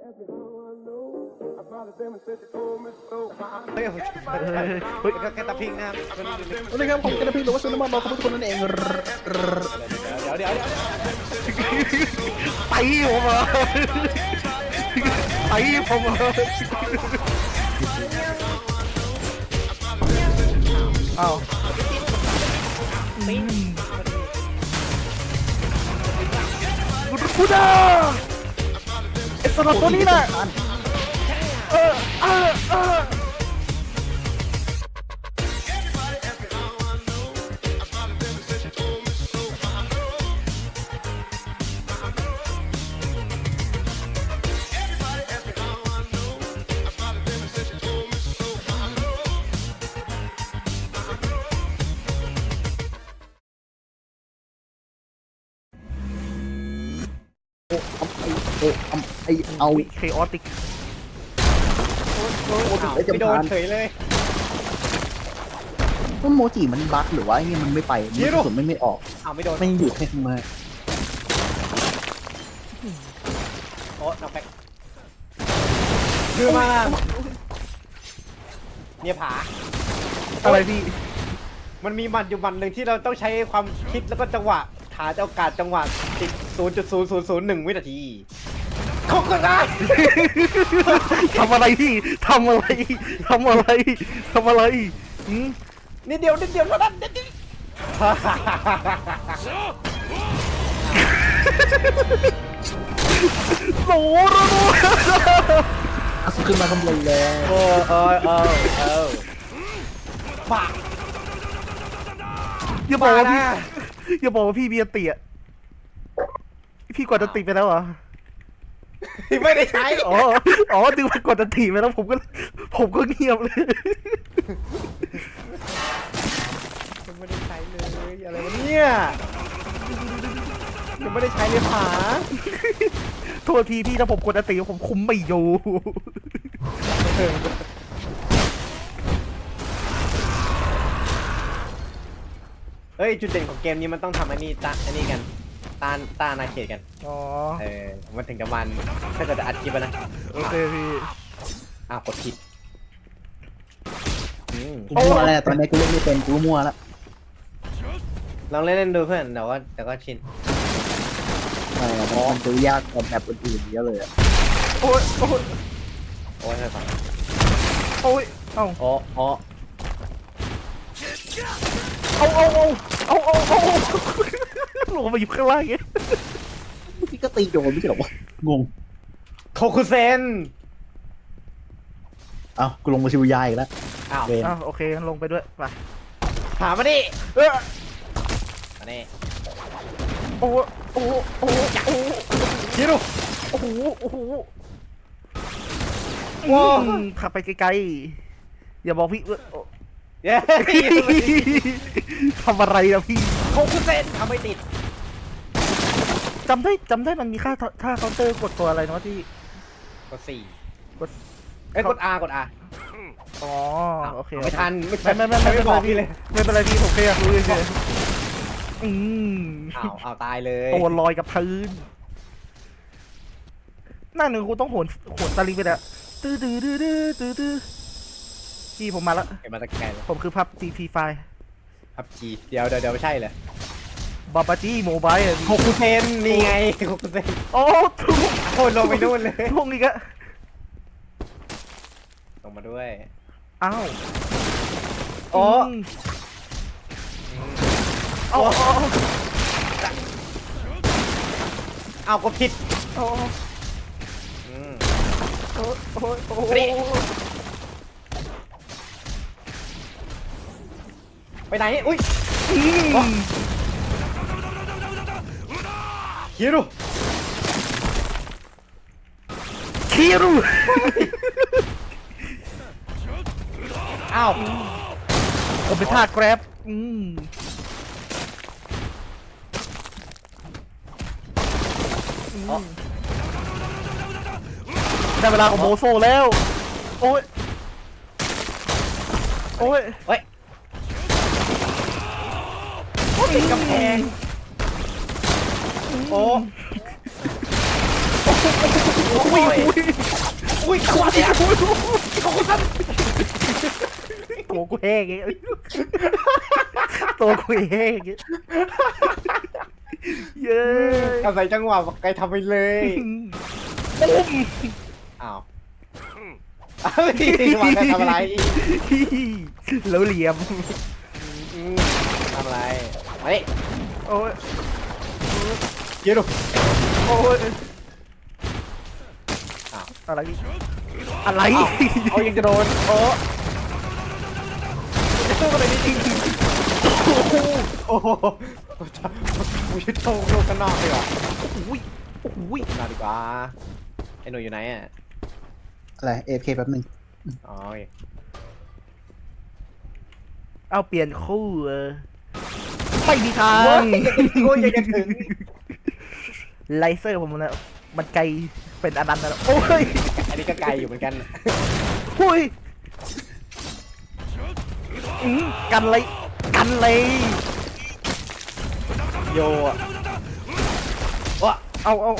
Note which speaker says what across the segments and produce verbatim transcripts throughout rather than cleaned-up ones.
Speaker 1: เฮ้ยเฮ้ยก็แค่ตะพิงนะครับ
Speaker 2: สวัสดีครับผมกระพิงหรือว่าซุนน้ำมันบอกกับทุกคนนั่นเอง
Speaker 1: เดี๋ยวเดี๋ยวเดี๋ยว
Speaker 2: ไปผมอ่ะไปผมอ่ะอ้าวกูด่าไอ้สลับตัวนี้น่ะเออเออเออโอ้ไอไอเอาเคออติก
Speaker 1: ไม่โดนเฉยเลย
Speaker 2: ต้นโมจิมันบั๊กหรือว่าไอ้นี่มันไม่ไปมันกระสุนไม่ไม่ออก
Speaker 1: อ้าวไม่โดน
Speaker 2: ไม่อยู่แค่ข้างใน
Speaker 1: โอ้น็อกแบ็คคือมาเนี่ยผา
Speaker 2: อะไรพี่
Speaker 1: มันมีมันอยู่มันหนึ่งที่เราต้องใช้ความคิดแล้วก็จังหวะหาโอกาสจังหวะติด ศูนย์จุดศูนย์ศูนย์ศูนย์หนึ่ง วินาทีเขาก็ได้
Speaker 2: ทำอะไรพี่ทำอะไรทำอะไรทำอะไรอืม
Speaker 1: นิดเดียวนิดเดียวเท่านั้นนิดเดียว
Speaker 2: โหระโดขึ้นมาข้างบนแล้ว
Speaker 1: โอ้เออเออเออปาก
Speaker 2: อย่าบอกว่าพี่อย่าบอกว่าพี่เบียร์เตี่ยพี่กดจะติไปแล้วเหรอ
Speaker 1: ไม่ได้ใช้
Speaker 2: อ๋ออ๋อดึงไปกดจะติไปแล้วผมก็ผมก็เงียบเลย
Speaker 1: ไม่ได้ใช้เลยอะไรวะเนี่ยยังไม่ได้ใช้เลยผา
Speaker 2: โทษทีพี่ถ้าผมกดจะติผมคุมไม่อยู่
Speaker 1: เฮ้ยจุดเด่นของเกมนี้มันต้องทำอันนี้ตาอันนี้กันตาตานาเขตกัน
Speaker 2: อ๋อ
Speaker 1: เออมันถึงจะมันถ้าเกิดจะอัดคลิปอะนะ
Speaker 2: โอเคพี่
Speaker 1: อ้าวกดผิดอืม
Speaker 2: กูมั่วแล้วตอนนี้กูเล่นไม่เป็นกูมั่วแล้ว
Speaker 1: ลองเล่นเล่นดูเพื่อนเดี๋ยวก็เดี๋ยวก็ชิน
Speaker 2: เออมันดูยากกว่าแบบอื่นๆเยอะเลยอะโอ้ยโอ้ย
Speaker 1: โอ้ยให้ฟัง
Speaker 2: โอ้ยเอ้า
Speaker 1: โอ้โอ้
Speaker 2: เอาเอาเอาเอาเอาเอาลงมาอยู่ข้างล่างเงี้ยพี่ก็ตีโดนไม่ใช่หรอวะงง
Speaker 1: โคคุเซน
Speaker 2: เอ้ากูลงมาชิวยาอีกแล้ว
Speaker 1: อ้าว
Speaker 2: อ้าวโอเคลงไปด้วยไป
Speaker 1: ถามมาดิ
Speaker 2: เออ
Speaker 1: มาดิ
Speaker 2: โอ้โอ้โอ้โอ้
Speaker 1: คิดดู
Speaker 2: โอ้โหโอ้โหว้าวขับไปไกลๆอย่าบอกพี่เออ
Speaker 1: เย้
Speaker 2: ทำอะไรอะพี่
Speaker 1: โคคุเซนทำไม่ติด
Speaker 2: จำได้จำได้มันมีค่าท่าเคาน์เตอร์กดตัวอะไรนะที่
Speaker 1: กดสี่
Speaker 2: กด
Speaker 1: เอ้ยกด R กด R
Speaker 2: อ๋อโอเค
Speaker 1: ไม่ทันไม่
Speaker 2: ไม่ไม่ไม่ไม่
Speaker 1: ไม่
Speaker 2: ไม่
Speaker 1: บอก
Speaker 2: พี่
Speaker 1: พี่เลย
Speaker 2: ไม่เป็นไรพี่ผมแค่อยากรู้เฉยอืม
Speaker 1: อ้าวอ้าวตายเลย
Speaker 2: ตัวลอยกับพื้นหน้าหนึ่งกูต้องโหนโหนตะลิงไปแล้วตื้อตื้อตื้อตื้อตื้อตื้อพี่ผมมาแล้ว
Speaker 1: เห็นมาตะแกรง
Speaker 2: ผมคือพับ จี พี ไฟล์
Speaker 1: พับจีเดี๋ยวเดี๋ยวเดี๋ยวไม่ใช่เลย
Speaker 2: บาบาจีโมบายอะ
Speaker 1: โคคุเซนนี่ไงโคคุเซน
Speaker 2: โอ้ทุก
Speaker 1: โคนลงไปนู่นเลย
Speaker 2: ทุกอีกอะ
Speaker 1: ลงมาด้วย
Speaker 2: อ้าว
Speaker 1: โอ้
Speaker 2: มเอาเอาเอา
Speaker 1: เอาก็ผิด
Speaker 2: เอา
Speaker 1: อืม
Speaker 2: โอ้โอ้โอ้
Speaker 1: นี่ ไปไหนอุ้ย
Speaker 2: อืม
Speaker 1: คิดดู
Speaker 2: คิรุ
Speaker 1: อ้าว
Speaker 2: ผมเป็นท่าแกร็บอืมอืมได้เวลาของโมโซแล้ว โอ้ย โอ้ย
Speaker 1: เฮ้ยติดกำแพงโอ้
Speaker 2: อุ้ยอุ้ย
Speaker 1: อุ้ยตัวเนี่ย
Speaker 2: อุ้ยตัวกูแห้งไงตัวกูแห้งไงเย้
Speaker 1: อาศัยจังหวะไกลทำไปเลย
Speaker 2: ปุ้ม
Speaker 1: อ้าวอ้าววางไกลทำอะไร
Speaker 2: แล้วเหลี่ยม
Speaker 1: อืมทำอะไรมาดิ
Speaker 2: โอ้ย
Speaker 1: เยอะดู
Speaker 2: โอ้ย
Speaker 1: อ้าว
Speaker 2: อะไรอะไร
Speaker 1: เอายังจะโดนโอ้จะสู้กันเลยนี่จริงโอ้โหกูจะโชว์โลกข้างนอกดีกว่า
Speaker 2: โอ้ยโอ้ย
Speaker 1: มาดีกว่าไอ้หนูอยู่ไหนอ่ะ
Speaker 3: อะไรเอฟเคแป๊บนึง
Speaker 1: อ๋อโอเค
Speaker 2: เอาเปลี่ยนคู่เออไม่มีทา
Speaker 1: โอ้
Speaker 2: ง
Speaker 1: ยโอ้ยยังจะถึง
Speaker 2: ไลเซอร์ผมนะมันไกลเป็นอนันต์แล้วโอ้ย
Speaker 1: อันนี้ก็ไกลอยู่เหมือนกัน
Speaker 2: หุยอืมกันเลยกันเลย
Speaker 1: โยอ่ะว้า
Speaker 2: เอาเอา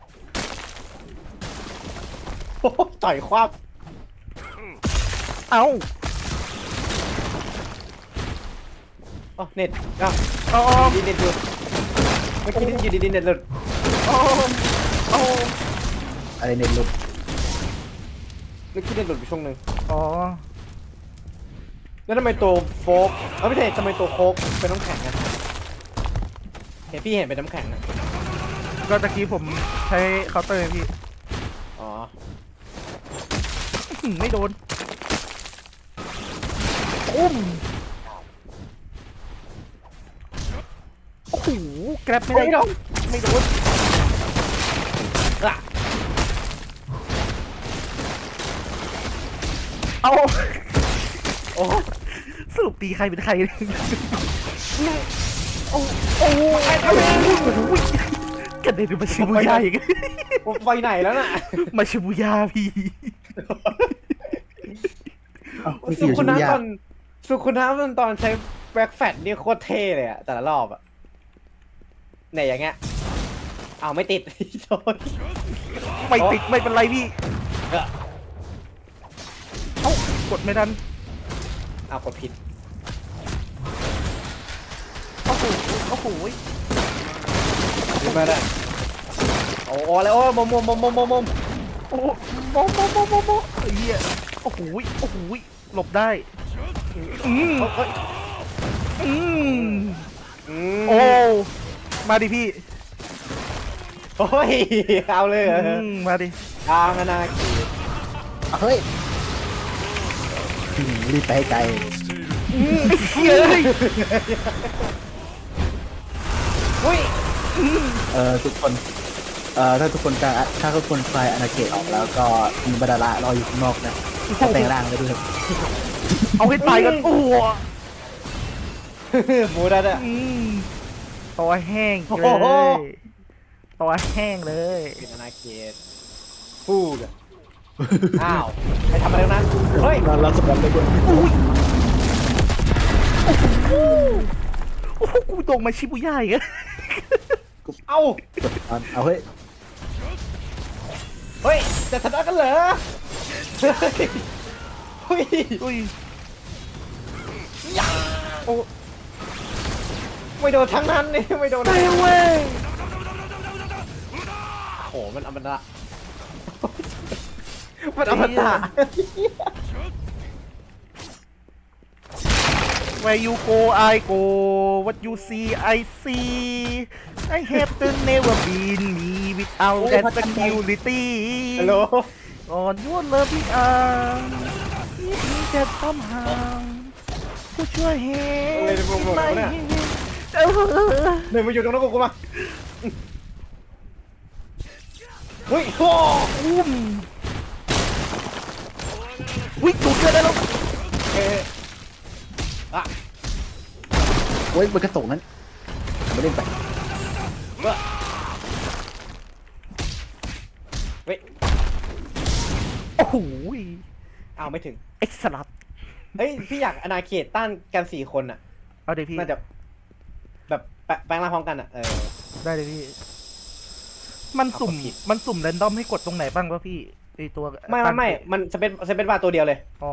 Speaker 1: โอ้โหต่อยคว้า
Speaker 2: เอา
Speaker 1: อ๋อเน็ตอ้าว
Speaker 2: เอา
Speaker 1: ดีเน็ตหลุดเมื่อกี้อยู่ดีๆเน็ตหลุด
Speaker 2: เอาเอา
Speaker 3: อะไรเน็ตหลุด
Speaker 1: เมื่อกี้เน็ตหลุดไปช่วงหนึ่ง
Speaker 2: อ๋อ
Speaker 1: แล้วทำไมตัวโฟกเอ้าไม่ใช่ทำไมตัวโคกเป็นน้ำแข็งอะเห็นพี่เห็นเป็นน้ำแข็งอะ
Speaker 2: ก็ตะกี้ผมใช้เคาน์เตอร์พี่
Speaker 1: อ๋อ
Speaker 2: อื้อหือไม่โดนอุ้มโอ้โหแกร็บไม่ได้
Speaker 1: ไม่โดน
Speaker 2: ไม่โดน
Speaker 1: อ่ะ
Speaker 2: เอา
Speaker 1: โอ้
Speaker 2: สรุปตีใครเป็นใครเนี่ย
Speaker 1: โอ้โอ้ไอ้ทำไม
Speaker 2: อุ๊ยกันเด็นมาชิบูย่าอีก
Speaker 1: ผมไปไหนแล้วน่ะ
Speaker 2: มาชิบูย่าพี่
Speaker 3: เอ้าพี่
Speaker 1: สุ
Speaker 3: อยู่
Speaker 1: คุ
Speaker 3: ชิ
Speaker 1: นะ
Speaker 3: บุย่า
Speaker 1: ตอนสุคุนะตอนใช้แบ็คแฟตนี่โคตรเท่เลยอะแต่ละรอบอะเนี่ยอย่างเงี้ยเอาไม่ติด โดน
Speaker 2: ไม่ติดไม่เป็นไรพี่
Speaker 1: เออ
Speaker 2: เอ้ากดไม่ทัน
Speaker 1: เอากดผิด
Speaker 2: โอ้โหโอ้โห
Speaker 1: ขึ้นมาได้โอ้โหอะไรโอ้มมมมมมมม
Speaker 2: โอ้โหโมโมโมโมโมไอ้เหี้ยโอ้โหโอ้โหหลบได้อืม
Speaker 1: เฮ้ย
Speaker 2: อืม
Speaker 1: อืม
Speaker 2: โอ้มาดิพี่
Speaker 1: โอ้ยเอาเลยเหรอ
Speaker 2: อืมมาดิ
Speaker 1: ทางอนาคี
Speaker 3: เอาเฮ้ยอืมรีบไปให้ไกล
Speaker 2: อืมไอ้เหี้ยเอ้ย
Speaker 1: อุ้ย
Speaker 3: เอ่อทุกคนเอ่อถ้าทุกคนกลางถ้าทุกคนคลายอาณาเขตออกแล้วก็มีบรรดาละรออยู่ข้างนอกนะจะแปลงร่างไปด้วยครับ
Speaker 2: เอาให้ตายกันโอ้โห
Speaker 1: หมูดัดอะ
Speaker 2: อืมตัวแห้ง
Speaker 1: โอ้
Speaker 2: เล
Speaker 1: โห
Speaker 2: ยตัวแห้งเลย
Speaker 1: เป็นอนาเขตพูดอะอ้าวไปทำอะไรตรงนั้นเฮ้ย
Speaker 3: เราเราสมบัติไปด้วย
Speaker 2: อุ้ยโอ้โหโอ้โหกูตรงมาชิบุย่าอีกอะ
Speaker 1: เอ้า
Speaker 3: เอาเฮ้ย
Speaker 1: เฮ้ยจะชนะกันเหรอเฮ้ย
Speaker 2: อุ้ย
Speaker 1: โอ้ไม่โดนทั้งนั้นนี่ไม่โดน
Speaker 2: ไปเว้ย
Speaker 1: โอ้โหมันอมตะมันอมตะ
Speaker 2: Where you go I go What you see I see I have to never been me without that security
Speaker 1: ฮัลโหล
Speaker 2: on your loving arm Keep me that somehow Put your hand in my hand เออ
Speaker 1: หนึ่งมาอยู่ตรงนั้นกูกูมาเฮ้ยโอ้
Speaker 2: อุ้มวิ่งดูดเกินได้แล้ว
Speaker 1: เอ๊ะอะ
Speaker 3: เว้ยมันกระตุกนั้นไม่เล่นไป
Speaker 1: เว้ยเว้ย
Speaker 2: โอ้โห
Speaker 1: อ้าวไม่ถึง
Speaker 2: เอ็กซ์ลับ
Speaker 1: เฮ้ยพี่อยากอนาเขตต้านกันสี่คนอ่ะ
Speaker 2: เอาเดี๋ยวพี่
Speaker 1: น่าจะแบบแปแปลงร่างพร้อมกันอ่ะเออ
Speaker 2: ได้เลยพี่มันสุ่ม
Speaker 1: เอาผิด
Speaker 2: มันสุ่มแรนดอมให้กดตรงไหนบ้างวะพี่ไอตัว
Speaker 1: ไม่ไม่ไม่มันจะเป็นจะเป็นบาร์ตัวเดียวเลย
Speaker 2: อ๋อ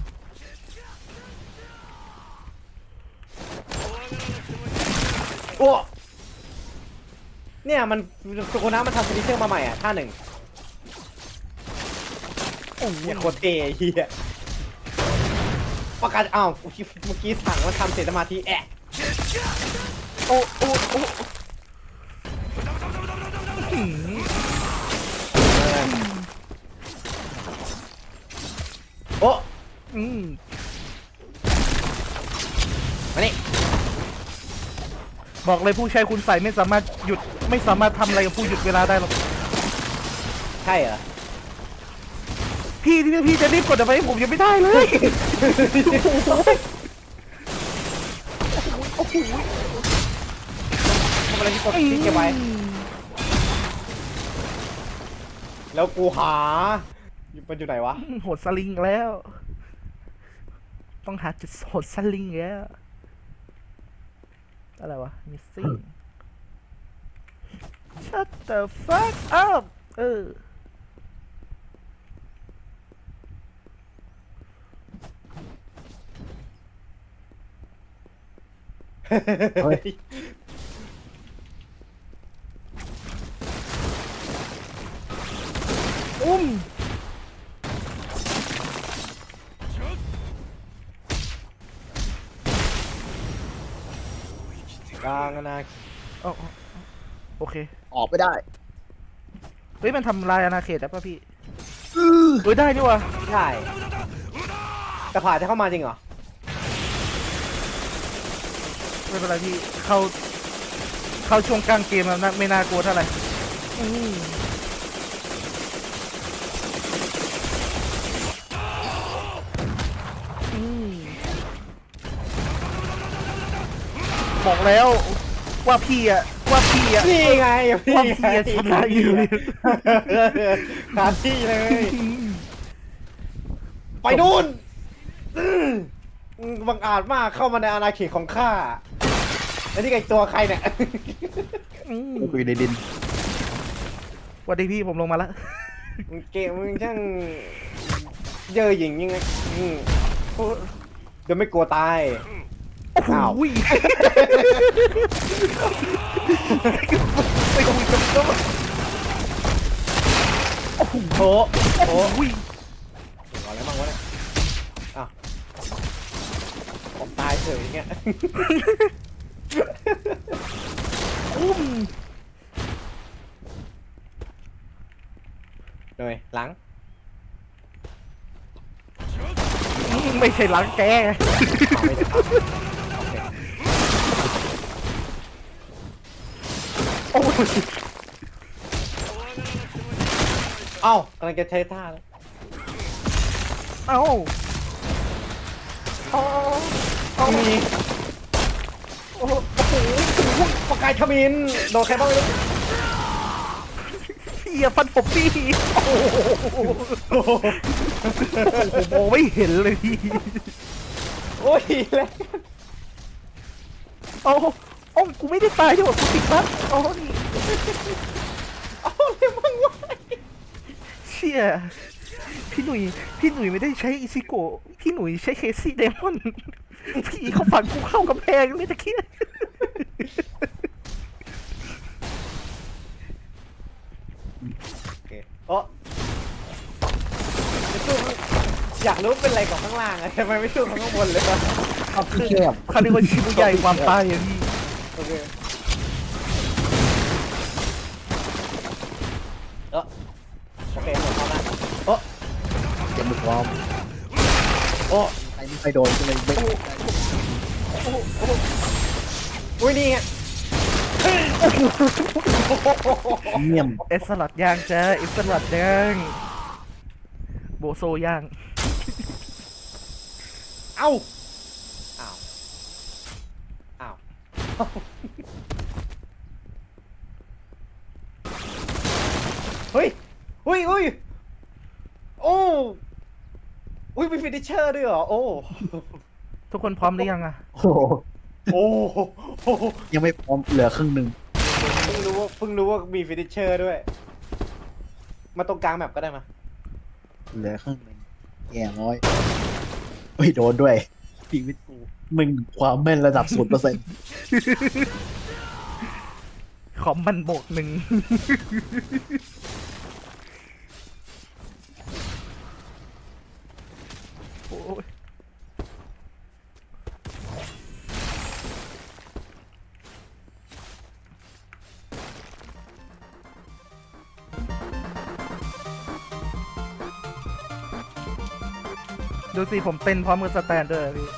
Speaker 1: โอ้เนี่ยมันสุโคนะมันทำฟินิชเชอร์มาใหม่อ่ะท่าหนึ่ง
Speaker 2: โอ้โห
Speaker 1: เนี่ยโคตรเท่ไอ้เฮียประกาศอ้าวเมื่อกี้สั่งมันทำเสร็จสมาธิแอะ
Speaker 2: โอ้โอ้โอ้อื้อหือ
Speaker 1: โอ้
Speaker 2: อืม
Speaker 1: มานี่
Speaker 2: บอกเลยผู้ใช้คุณใส่ไม่สามารถหยุดไม่สามารถทำอะไรกับผู้หยุดเวลาได้หรอก
Speaker 1: ใช่เหรอ
Speaker 2: พี่ที่พี่จะรีบกดอะไรให้ผมยังไม่ได้เลยโอ้โห
Speaker 1: ทำอะไรที่กดที่เก็บไว้ แล้วกูหามันอยู่ไหนวะ
Speaker 2: โหดสลิงแล้ว ต้องหาจุดโหดสลิงแล้วอะไรวะ missing shut the fuck up เออ
Speaker 3: เฮ้ย
Speaker 2: อุ้ม
Speaker 1: กลางนะ
Speaker 2: อ๋อโอเค
Speaker 3: ออกไม่ได้
Speaker 2: เฮ้ย มันทำลายอาณาเขตได้ป่ะพี่เฮ้ย ได้นี่วะ
Speaker 1: ใช่แต่ผ่าจะเข้ามาจริงเหรอ
Speaker 2: ไม่เป็นไรพี่ เข้า เข้าช่วงกลางเกมแล้วนะไม่น่ากลัวเท่าไหร่อืมอืมบอกแล้วว่าพี่อะว่าพี่อะ
Speaker 1: นี่ไงพี่
Speaker 2: ว่า
Speaker 1: ไง
Speaker 2: พี่อะชนะอยู่
Speaker 1: หาที่เลย ไปนู่นอืมบังอาจมากเข้ามาในอาณาเขตของข้า แล้วนี่ไงตัวใครเนี่ย
Speaker 2: อืม
Speaker 3: กูอยู่ในดิน
Speaker 2: สวัสดีพี่ผมลงมาแล้ว
Speaker 1: มึงเกมมึงช่างเย่อหยิ่งยังไงอืมเดี๋ยวไม่กลัวตาย อ้าว
Speaker 2: อุ้ยไปคุยกับโจ้
Speaker 1: โอ้โหโอ้โห
Speaker 2: อุ้ย
Speaker 1: อะไรบ้างวะเนี่ยอ้าวผมตายเฉยอย่างเงี้ย
Speaker 2: อุ้ม
Speaker 1: เลยหลัง
Speaker 2: อืมไม่ใช่หลังแก
Speaker 1: เอาไม่ได้ครับโอเค
Speaker 2: โอ้ย
Speaker 1: เอ้ากำลังจะใช้ท่าแล้ว
Speaker 2: เอ้าเอาเอา
Speaker 1: มีโอ้โหโอ้โหประกายขมินโดนใครบ้างไม่รู้
Speaker 2: พี่อย่าฟันผมพี่โอ้โห
Speaker 1: โอ้โห
Speaker 2: ผมมองไม่เห็นเลยพี่
Speaker 1: โอ้ยแล้ว
Speaker 2: เอาเอ้ากูไม่ได้ตายที่บอกกูติดบั๊กอ๋อนี่
Speaker 1: เอาเลยมึงวะ
Speaker 2: เชี่ยพี่หนุ่ยพี่หนุ่ยไม่ได้ใช้อิซิโกะพี่หนุ่ยใช้เคซี่เดมอนพี่เขาฝันกูเข้ากำแพงเลยตะเคียน
Speaker 1: โอเคโอ้จะสู้อยากรู้เป็นอะไรของข้างล่างอะทำไมไม่สู้ข้างบนเลยวะ
Speaker 3: ชอบที่แคบ
Speaker 2: เขาเรียกว่าชิบุใหญ่ความตายอะพี่
Speaker 1: โอเคเออโอเคหมดแล้วนะโอ้
Speaker 3: เจ็บมือพร้อม
Speaker 1: โอ้
Speaker 3: ไอ้นี่ไปโดนก็เลยไม่
Speaker 1: อุ้ยนี่ไง
Speaker 3: เงียบ
Speaker 2: เอสสลัดย่างจ้าเอสสลัดย่างโบโซย่าง
Speaker 1: เอ้าอ้าวอ้าวเฮ้ยเฮ้ยเฮ้ยโอ้อุ้ยมีฟินิชเชอร์ด้วยเหรอโอ้
Speaker 2: ทุกคนพร้อมหรือยังอะ
Speaker 3: โอ้โห
Speaker 1: โอ้โห
Speaker 3: ยังไม่พร้อมเหลือครึ่งหนึ่ง
Speaker 1: โเพิ่งรู้ว่าเพิ่งรู้ว่ามีฟินิชเชอร์ด้วย มาตรงกลางแมปก็ได้มา
Speaker 3: เหลือข้างหนึ่งแย่น้อยเฮ้ยโดนด้วยชีวิตกูมึงความแม่นระดับศูนย์เปอร์เซ็นต์
Speaker 2: ขอมมันบวกหนึ่ง โอ้ยดูสิผมเต้นพร้อมกับสแตนด้วยอะพี่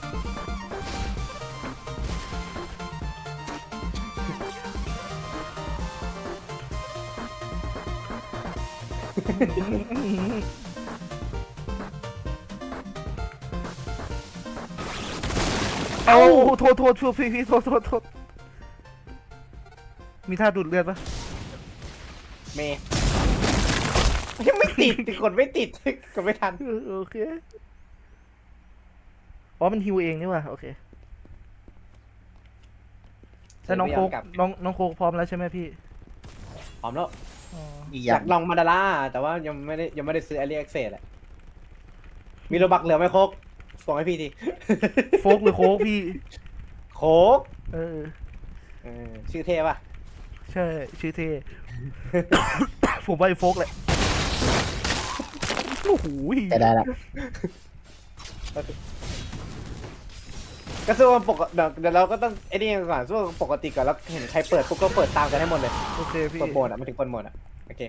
Speaker 2: เอาโทษโทษช่วยพี่พี่โทษโทษโทษมีท่าดูดเลือดปะ
Speaker 1: เมย์ยังไม่ติดติดกดไม่ติดกดไม่ทัน
Speaker 2: เออโอเคอ๋อมันฮิวเองนี่ว่ะโอเคแต่น้องโคกน้องน้องโคกพร้อมแล้วใช่ไหมพี่
Speaker 1: พร้อมแล้ว
Speaker 2: อ๋อ
Speaker 3: อีกอ
Speaker 1: อยา
Speaker 3: ย่าง
Speaker 1: กลองมาดาร่าแต่ว่ายังไม่ได้ยังไม่ได้ซื้อแอเรียกเซสอะมีโลบักเหลือไหมโคกส่งให้พี่ที
Speaker 2: โฟกหรือโคกพี่
Speaker 1: โคก
Speaker 2: เออ
Speaker 1: เออชื่อเท่ป่ะ
Speaker 2: ใช่ชื่อเท่ ผมว่าไอ้โฟกแหละโอ้โห
Speaker 3: แต่ได้ละ
Speaker 1: ก็สู้ว่าปกติเดี๋ยวเดี๋ยวเราก็ต้องไอ้นี่ก่อนสู้ปกติก่อนแล้วเห็นใครเปิดปุ๊บก็เปิดตามกันให้หมดเลย
Speaker 2: โอเคพี่
Speaker 1: เปิดโหมดอ่ะมันถึงเปิดโหมดอ่ะโอเค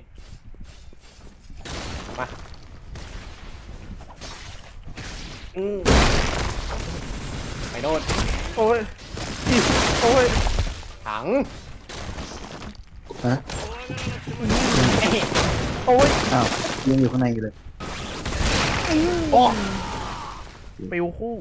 Speaker 1: มาอืมไปโน่น
Speaker 2: โอ้ยโอ้ย
Speaker 1: ถัง
Speaker 3: ฮะ
Speaker 2: โอ้ย
Speaker 3: อ้าวยังอยู่ข้างในอยู่เลย
Speaker 1: โอ้
Speaker 2: ปิวคู่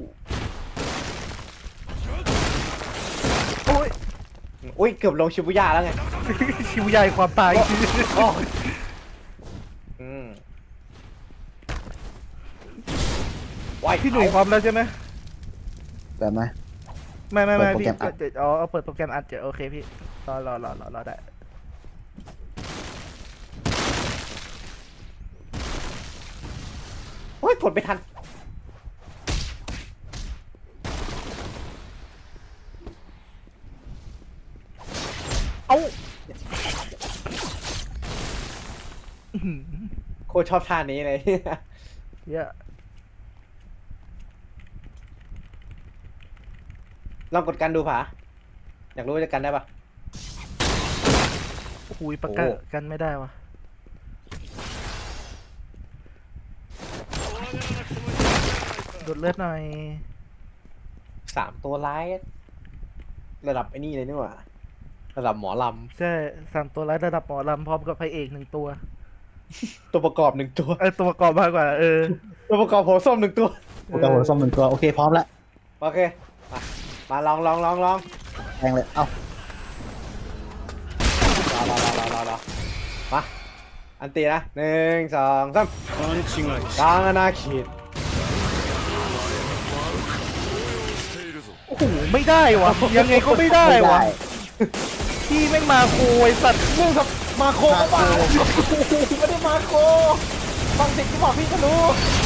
Speaker 2: โอ้ย
Speaker 1: อุ้ยเกือบลงชิบุย่าแล้วไง
Speaker 2: ชิวใหญ่ความตาย
Speaker 1: โอ้อืมว้าย
Speaker 2: พี่หนุ่ยพร้อมแล้วใช่ไหม
Speaker 3: แบบไหม
Speaker 2: ไม่ไม่ไม่
Speaker 3: เปิดโปร
Speaker 2: พี่
Speaker 3: แกรมอัด
Speaker 2: เดี๋ยวอ๋อเอาเปิดโปรแกรมอัดเดี๋ยวโอเคพี่รอรอรอรอรอได้
Speaker 1: โอ้ยกดไม่ทัน
Speaker 2: เอ้าอื้อหือ
Speaker 1: โคตรชอบท่านี้เลย
Speaker 2: เยอะ
Speaker 1: ลองกดกันดูผาอยากรู้ว่าจะกันได้ปะ
Speaker 2: คุยประกัน
Speaker 1: โอ้
Speaker 2: กันไม่ได้วะดูดเลือดหน่อย
Speaker 1: สามตัวร้ายระดับไอ้นี่เลยนี่หว่าระดับหมอล
Speaker 2: ใช่สามตัวร้ายระดับหมอลำพร้อมกับพระเอกหนึ่งตัว
Speaker 1: ำตัวประกอบหนึ่งตัว
Speaker 2: เออตัวประกอบมากกว่า เออ
Speaker 1: ตัวประกอบหัวส้มหนึ่งตัว
Speaker 3: โอเคหัวส้มหนึ่งตัวโอเคพร้อมละ
Speaker 1: โอเคมามาลองลองลองลอง
Speaker 3: แทงเลยเอ้าร
Speaker 1: อรอรอรอรอรอมาอันตีนะหนึ่งสองสามกลางอนาเขต
Speaker 2: โอ้โหไม่ได้วะยังไงก็ไม่ได้
Speaker 3: ไม่
Speaker 2: วะ
Speaker 3: ได้
Speaker 2: พี่แม่งมาโคยสัตว์
Speaker 1: นี่ครับมาโคก็มาไม่ได้มาโคฟังเสียงที่บอกพี่ก็รู้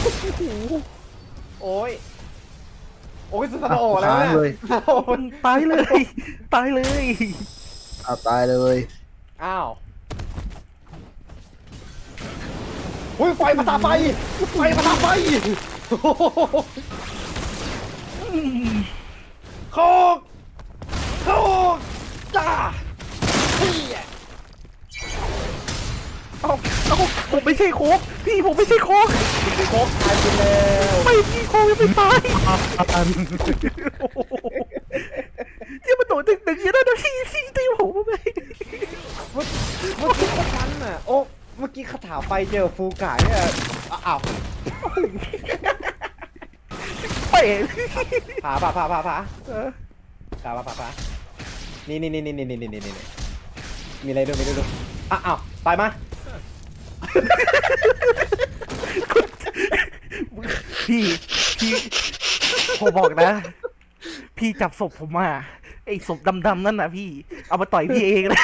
Speaker 1: โอ้ยโอ้ยสุดสนโอแล้ว
Speaker 3: ตาย
Speaker 1: เนี่ย
Speaker 3: เลย
Speaker 2: ตายเลย ตายเลย
Speaker 3: เอาตายเลย
Speaker 1: อ้าวอุ้ยไฟมาตาไฟไฟมาตาไฟโคกโคกจ้าเฮีย
Speaker 2: เอาเอาผมไม่ใช่โคกพี่ผมไม่ใช่โคก
Speaker 1: โคกตายไปแล้ว
Speaker 2: ไม่พี่โคกยังไม่ตายที่มันโดดดึงๆอย่างนั้นนะพี่พี่ตีผมทำไม
Speaker 1: เมื่อเมื่อกี้ก็ทันอ่ะโอ้เมื่อกี้คาถาไฟเจอฟูกายเนี่ยอ้าว
Speaker 2: เป๋
Speaker 1: ผาผาผาผาผา
Speaker 2: เออ
Speaker 1: ผาผาผาผานี่นี่นี่นี่นี่นี่นี่นี่มีอะไรด้วยมีอะไรด้วยอ้าวตายมา
Speaker 2: พี่พี่ผมบอกนะ พี่จับศพผมมาไอ้ศพดำๆนั่นน่ะพี่ เอามาต่อยพี่เองเลย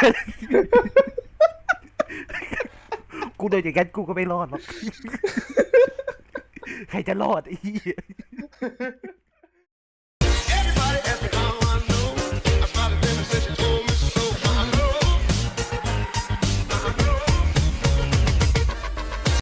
Speaker 2: กูเดินอย่างนั้นกูก็ไม่รอดหรอก ใครจะรอดไอ้เหี้ย